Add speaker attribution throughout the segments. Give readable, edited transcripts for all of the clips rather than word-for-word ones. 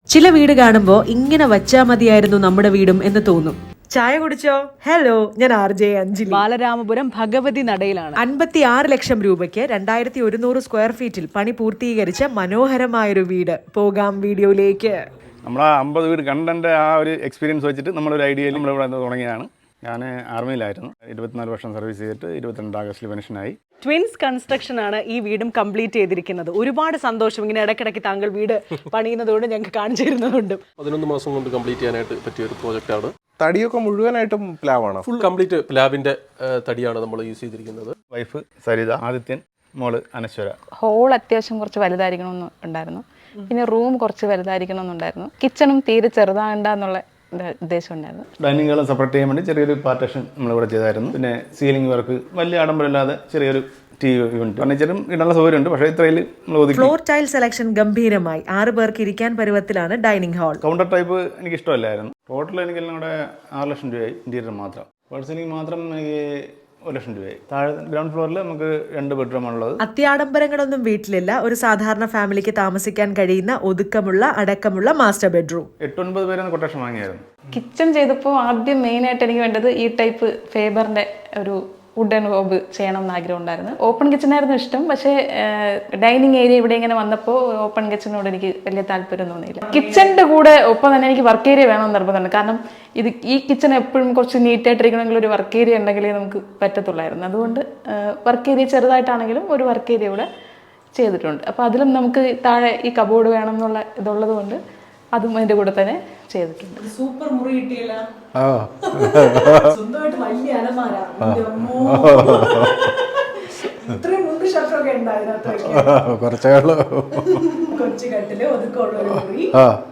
Speaker 1: ചില വീട് കാണുമ്പോൾ ഇങ്ങനെ വച്ചാ മതിയായിരുന്നു നമ്മുടെ വീടും എന്ന് തോന്നും. ചായ കുടിച്ചോ? ഹലോ, ഞാൻ RJ അഞ്ജലി.
Speaker 2: ബാലരാമപുരം ഭഗവതി നടയിലാണ്.
Speaker 1: 56 ലക്ഷം രൂപയ്ക്ക് 2100 സ്ക്വയർ ഫീറ്റിൽ പണി പൂർത്തീകരിച്ച മനോഹരമായൊരു വീട്. പോകാം വീഡിയോയിലേക്ക്.
Speaker 3: നമ്മൾ ആ 50 വീട് കണ്ടൻ്റെ ആ ഒരു എക്സ്പീരിയൻസ് വെച്ചിട്ട് നമ്മളൊരു ഐഡിയയിൽ നമ്മളിവിടെ തുടങ്ങിയതാണ്. ഞാൻ ആർമിയിലായിരുന്നു. 24 വർഷം സർവീസ് ചെയ്തിട്ട് 22 ആഗസ്റ്റിൽ പെൻഷനായി.
Speaker 2: ട്വിൻസ് കൺസ്ട്രക്ഷൻ ആണ് ഈ വീടും കംപ്ലീറ്റ് ചെയ്തിരിക്കുന്നത്. ഒരുപാട് സന്തോഷം. ഇങ്ങനെ ഇടയ്ക്കിടയ്ക്ക് താങ്കൾ വീട് പണിയുന്നതുകൊണ്ട് ഞങ്ങൾക്ക് കാണിച്ചു തരുന്നതുകൊണ്ട്
Speaker 4: 11 മാസം കൊണ്ട് കംപ്ലീറ്റ് ചെയ്യാനായിട്ട് പറ്റിയ ഒരു പ്രോജക്റ്റാണ്.
Speaker 5: തടിയൊക്കെ മുഴുവനായിട്ടും പ്ലാവാണ്.
Speaker 4: ഫുൾ കംപ്ലീറ്റ് പ്ലാബിന്റെ തടിയാണ് നമ്മൾ യൂസ് ചെയ്തിരിക്കുന്നത്.
Speaker 3: വൈഫ് സരിത, ആദിത്യൻ, മോള് അനശ്വര.
Speaker 6: ഹോൾ അത്യാവശ്യം കുറച്ച് വലുതായിരിക്കണമെന്ന് ഉണ്ടായിരുന്നു. പിന്നെ റൂം കുറച്ച് വലുതായിരിക്കണമെന്നുണ്ടായിരുന്നു. കിച്ചണും തീരെ ചെറുതാകണ്ട എന്നുള്ള ഉദ്ദേശം ഉണ്ടായിരുന്നു.
Speaker 3: ഡൈനിങ് ഹാളും സെപ്പറേറ്റ് ചെയ്യാൻ വേണ്ടി ചെറിയൊരു പാർട്ടേഷൻ നമ്മളിവിടെ ചെയ്തായിരുന്നു. പിന്നെ സീലിംഗ് വർക്ക് വലിയ ആഡംബരമില്ലാതെ ചെറിയൊരു TV യൂണിറ്റ്, ഫർണിച്ചറും ഇടാനുള്ള സൗകര്യമുണ്ട്. പക്ഷേ ഇത്രയിൽ നമ്മൾ ഒതുക്കി.
Speaker 1: ഫ്ലോർ ടൈൽ സെലക്ഷൻ ഗംഭീരമായി. 6 പേർക്ക് ഇരിക്കാൻ പരുവത്തിലാണ് ഡൈനിങ് ഹാൾ.
Speaker 3: കൗണ്ടർ ടൈപ്പ് എനിക്ക് ഇഷ്ടമല്ലായിരുന്നു. ടോട്ടൽ എനിക്കെല്ലാം കൂടെ 6 ലക്ഷം രൂപയായി. ഇന്റീരിയർ മാത്രം, പേഴ്സണിങ് മാത്രം എനിക്ക് 1 ലക്ഷം രൂപയായി. താഴെ ഗ്രൗണ്ട് ഫ്ലോറിൽ നമുക്ക് 2 ബെഡ്റൂമാണുള്ളത്.
Speaker 1: അത്യാഡംബരങ്ങളൊന്നും വീട്ടിലില്ല. ഒരു സാധാരണ ഫാമിലിക്ക് താമസിക്കാൻ കഴിയുന്ന ഒതുക്കമുള്ള അടക്കമുള്ള മാസ്റ്റർ ബെഡ്റൂം.
Speaker 3: 8-9 പേരെ കൊട്ടേഷൻ വാങ്ങിയായിരുന്നു.
Speaker 6: കിച്ചൺ ചെയ്തപ്പോൾ ആദ്യം മെയിനായിട്ട് എനിക്ക് വേണ്ടത് ഈ ടൈപ്പ് ഫേബറിന്റെ ഒരു വുഡൻ ഹോബ് ചെയ്യണം എന്ന് ആഗ്രഹം ഉണ്ടായിരുന്നു. ഓപ്പൺ കിച്ചണായിരുന്നു ഇഷ്ടം. പക്ഷേ ഡൈനിങ് ഏരിയ ഇവിടെ ഇങ്ങനെ വന്നപ്പോൾ ഓപ്പൺ കിച്ചണിനോട് എനിക്ക് വലിയ താല്പര്യം തോന്നിയില്ല. കിച്ചണിന്റെ കൂടെ ഒപ്പം തന്നെ എനിക്ക് വർക്ക് ഏരിയ വേണമെന്ന് നിർബന്ധമുണ്ട്. കാരണം ഈ കിച്ചൺ എപ്പോഴും കുറച്ച് നീറ്റായിട്ടിരിക്കണമെങ്കിൽ ഒരു വർക്ക് ഏരിയ ഉണ്ടെങ്കിലേ നമുക്ക് പറ്റത്തുള്ളായിരുന്നു. അതുകൊണ്ട് വർക്ക് ഏരിയ ചെറുതായിട്ടാണെങ്കിലും ഒരു വർക്ക് ഏരിയ ഇവിടെ ചെയ്തിട്ടുണ്ട്. അപ്പോൾ അതിലും നമുക്ക് താഴെ ഈ കബോർഡ് വേണം എന്നുള്ള ഇതുള്ളത് കൊണ്ട് അതും അതിൻ്റെ കൂടെ തന്നെ ചെയ്തിട്ടുണ്ട്.
Speaker 2: സൂപ്പർ മുറി കിട്ടിയല്ല. സ്വന്തമായിട്ട് വലിയ അലമാര. ഇത്രയും മുണ്ട് ഷട്ടറൊക്കെ ഉണ്ടായിരുന്നു. കൊച്ചു കട്ടില് ഒതുക്കമുള്ള ഒരു മുറി.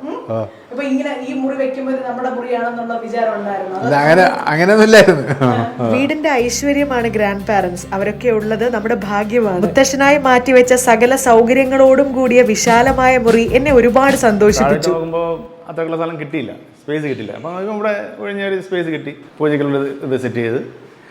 Speaker 2: അപ്പൊ ഇങ്ങനെ ഈ മുറി വെക്കുമ്പോൾ നമ്മുടെ മുറിയാണെന്നുള്ള വിചാരം ഉണ്ടായിരുന്നു.
Speaker 5: അങ്ങനെയൊന്നുമില്ലായിരുന്നു.
Speaker 1: വീടിന്റെ ഐശ്വര്യമാണ് ഗ്രാൻഡ് പാരന്റ്സ്. അവരൊക്കെ ഉള്ളത് നമ്മുടെ ഭാഗ്യമാണ്. മുത്തശ്ശനായി മാറ്റിവെച്ച സകല സൗകര്യങ്ങളോടും കൂടിയ വിശാലമായ മുറി എന്നെ ഒരുപാട് സന്തോഷിപ്പിച്ചു.
Speaker 3: നോക്കുമ്പോൾ അത്രക്കുള്ള സ്ഥലം കിട്ടിയില്ല, സ്പേസ് കിട്ടില്ല. അപ്പം ഇവിടെ ഒഴിഞ്ഞൊരു സ്പേസ് കിട്ടി. പൂജയ്ക്കുള്ള ഇത് സെറ്റ് ചെയ്ത്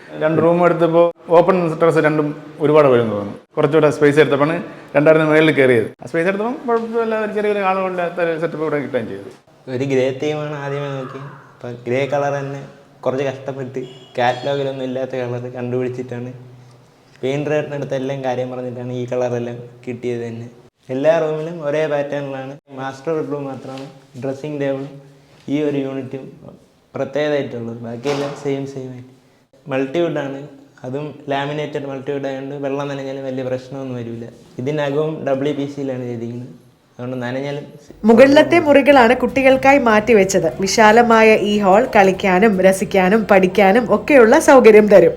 Speaker 3: 2 റൂം എടുത്തപ്പോൾ ഓപ്പൺ ടെറസ് രണ്ടും ഒരുപാട് വരുമെന്ന് തോന്നുന്നു. കുറച്ചുകൂടെ സ്പേസ് എടുത്തപ്പോൾ 2 മേളിൽ കയറിയത്. ആ സ്പേസ് എടുത്തപ്പോൾ കുഴപ്പമില്ല, ഒരു ചെറിയൊരു ആളുകളില്ലാത്ത സെറ്റപ്പ് ഇവിടെ കിട്ടുകയും ചെയ്തു.
Speaker 7: ഒരു ഗ്രേ തീമാണ് ആദ്യമേ നോക്കി. അപ്പം ഗ്രേ കളർ തന്നെ കുറച്ച് കഷ്ടപ്പെട്ട് കാറ്റലോഗിലൊന്നും ഇല്ലാത്ത കളർ കണ്ടുപിടിച്ചിട്ടാണ് പെയിൻറ്ററിനടുത്ത് എല്ലാം കാര്യം പറഞ്ഞിട്ടാണ് ഈ കളറെല്ലാം കിട്ടിയത് തന്നെ. എല്ലാ റൂമിലും ഒരേ പാറ്റേണിലാണ്. മാസ്റ്റർ ബെഡ്റൂം മാത്രമാണ് ഡ്രസ്സിങ് ടേബിളും ഈ ഒരു യൂണിറ്റും പ്രത്യേകമായിട്ടുള്ളത്. ബാക്കിയെല്ലാം സെയിം ആയിട്ട്. മൾട്ടിവുഡാണ്, അതും ലാമിനേറ്റഡ് മൾട്ടിവുഡ് ആയതുകൊണ്ട് വെള്ളം നനഞ്ഞാലും വലിയ പ്രശ്നമൊന്നും വരില്ല. ഇതിനകവും WPCയിലാണ് ചെയ്തിരിക്കുന്നത്. അതുകൊണ്ട് നനഞ്ഞാലും.
Speaker 1: മുകളിലത്തെ മുറികളാണ് കുട്ടികൾക്കായി മാറ്റിവെച്ചത്. വിശാലമായ ഈ ഹാൾ കളിക്കാനും രസിക്കാനും പഠിക്കാനും ഒക്കെയുള്ള സൗകര്യം തരും.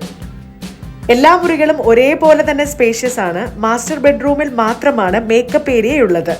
Speaker 1: എല്ലാ മുറികളും ഒരേപോലെ തന്നെ സ്പേഷ്യസ് ആണ്. മാസ്റ്റർ ബെഡ്റൂമിൽ മാത്രമാണ് മേക്കപ്പ് ഏരിയ ഉള്ളത്.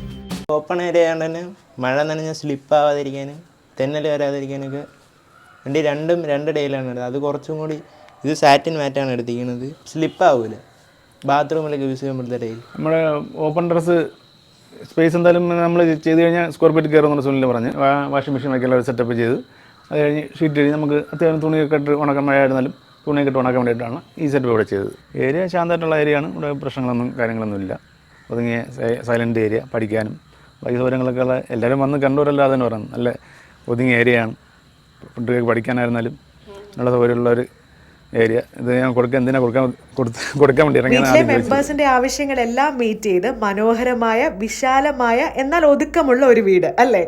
Speaker 7: ഓപ്പൺ ഏരിയ ആയതുകൊണ്ട് തന്നെ മഴ നനഞ്ഞാൽ സ്ലിപ്പാവാതിരിക്കാനും തെന്നൽ വരാതിരിക്കാനൊക്കെ വേണ്ടി രണ്ടും 2 ഡേയിലാണ് എടുത്തത്. അത് കുറച്ചും കൂടി ഇത് സാറ്റിൻ മാറ്റാണ് എടുത്തിരിക്കുന്നത്. സ്ലിപ്പാവില്ല. ബാത്റൂമിലൊക്കെ യൂസ് ചെയ്യുമ്പോഴത്തെ ഡേയിൽ
Speaker 3: നമ്മുടെ ഓപ്പൺ ടെറസ് സ്പേസ് എന്തായാലും നമ്മൾ ചെയ്ത് കഴിഞ്ഞാൽ സ്ക്വയർ ഫീറ്റ് കയറുമെന്ന് സുനിൽ പറഞ്ഞ് വാഷിംഗ് മെഷീൻ വയ്ക്കാനുള്ള ഒരു സെറ്റപ്പ് ചെയ്ത് അത് കഴിഞ്ഞ് ഷീറ്റ് കഴിഞ്ഞ് നമുക്ക് അത്യാവശ്യം തുണിയൊക്കെ ഇട്ട് ഉണക്കാൻ, മഴയായിരുന്നാലും തുണിയൊക്കെ ഇട്ട് ഉണക്കാൻ വേണ്ടിയിട്ടാണ് ഈ സെറ്റപ്പ് ഇവിടെ ചെയ്തത്. ഏരിയ ശാന്തമായിട്ടുള്ള ഏരിയയാണ്. ഇവിടെ പ്രശ്നങ്ങളൊന്നും കാര്യങ്ങളൊന്നുമില്ല. ഒതുങ്ങിയ സൈലൻ്റ് ഏരിയ, പഠിക്കാനും ബാക്കി സൗകര്യങ്ങളൊക്കെ ഉള്ള എല്ലാവരും വന്ന് കണ്ടവരല്ലാതെ തന്നെ പറയുന്നത് നല്ല ഒതുങ്ങിയ ഏരിയയാണ്. കുട്ടികൾക്ക് പഠിക്കാനായിരുന്നാലും നല്ല സൗകര്യമുള്ളൊരു ഏരിയ. ഇത് ഞാൻ കൊടുക്കാൻ വേണ്ടി
Speaker 1: വീട്ടിലെ മെമ്പേഴ്സിന്റെ ആവശ്യങ്ങളെല്ലാം മീറ്റ് ചെയ്ത് മനോഹരമായ വിശാലമായ എന്നാൽ ഒതുക്കമുള്ള ഒരു വീട് അല്ലേ?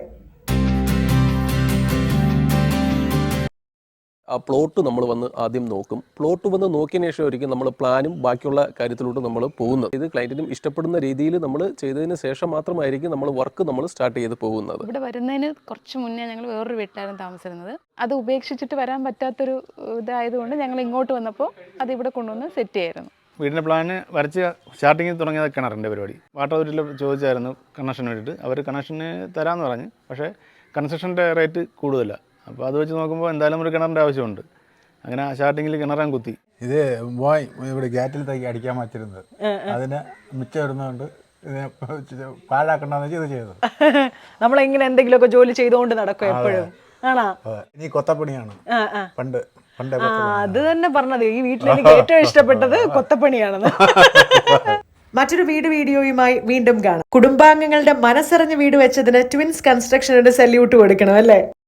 Speaker 4: ആ പ്ലോട്ട് നമ്മൾ വന്ന് ആദ്യം നോക്കും. പ്ലോട്ട് വന്ന് നോക്കിയതിന് ശേഷം ഒരിക്കലും നമ്മൾ പ്ലാനും ബാക്കിയുള്ള കാര്യത്തിലോട്ട് നമ്മൾ പോകുന്നത്. ഇത് ക്ലയൻറ്റിനും ഇഷ്ടപ്പെടുന്ന രീതിയിൽ നമ്മൾ ചെയ്തതിന് ശേഷം മാത്രമായിരിക്കും നമ്മൾ വർക്ക് നമ്മൾ സ്റ്റാർട്ട് ചെയ്ത് പോകുന്നത്.
Speaker 6: ഇവിടെ വരുന്നതിന് കുറച്ച് മുന്നേ ഞങ്ങൾ വേറൊരു വീട്ടിലായിരുന്നു താമസിച്ചിരുന്നത്. അത് ഉപേക്ഷിച്ചിട്ട് വരാൻ പറ്റാത്തൊരു ഇതായതുകൊണ്ട് ഞങ്ങൾ ഇങ്ങോട്ട് വന്നപ്പോൾ അത് ഇവിടെ കൊണ്ടുവന്ന് സെറ്റ് ചെയ്യായിരുന്നു.
Speaker 3: വീടിൻ്റെ പ്ലാന് വരച്ച് സ്റ്റാർട്ടിങ്ങിൽ തുടങ്ങിയത് കിണറിൻ്റെ പരിപാടി. വാട്ടർ അതോറിറ്റിയിൽ ചോദിച്ചായിരുന്നു കണക്ഷൻ വേണ്ടിയിട്ട്. അവർ കണക്ഷന് തരാമെന്ന് പറഞ്ഞ്, പക്ഷേ കൺസ്ട്രക്ഷൻ്റെ റേറ്റ് കൂടുതലാണ്. അപ്പോൾ അത് വെച്ച് നോക്കുമ്പോൾ എന്തായാലും ഒരു കിണറിൻ്റെ ആവശ്യമുണ്ട്. അങ്ങനെ സ്റ്റാർട്ടിങ്ങിൽ കിണറാൻ കുത്തി.
Speaker 5: ഇത് ഇവിടെ ഗേറ്റിലത്തേക്ക് അടിക്കാൻ പറ്റിരുന്നത്. അതിന് മിച്ചം വരുന്നതുകൊണ്ട് ഇതിനെ പാഴാക്കണ്ടെന്ന് വെച്ച് ഇത് ചെയ്തത്.
Speaker 2: നമ്മളെങ്ങനെ എന്തെങ്കിലുമൊക്കെ ജോലി ചെയ്തുകൊണ്ട് നടക്കും എപ്പോഴും. ആണോ?
Speaker 5: ഇനി കൊത്തപ്പണിയാണ്. പണ്ട്
Speaker 2: അത് തന്നെ പറഞ്ഞത്. ഈ വീട്ടിൽ എനിക്ക് ഏറ്റവും ഇഷ്ടപ്പെട്ടത് കൊത്തപ്പണിയാണെന്ന്.
Speaker 1: മറ്റൊരു വീഡിയോയുമായി വീണ്ടും കാണാം. കുടുംബാംഗങ്ങളുടെ മനസ്സറിഞ്ഞ് വീട് വെച്ചതിന് ട്വിൻസ് കൺസ്ട്രക്ഷനോട് സല്യൂട്ട് കൊടുക്കണം അല്ലേ?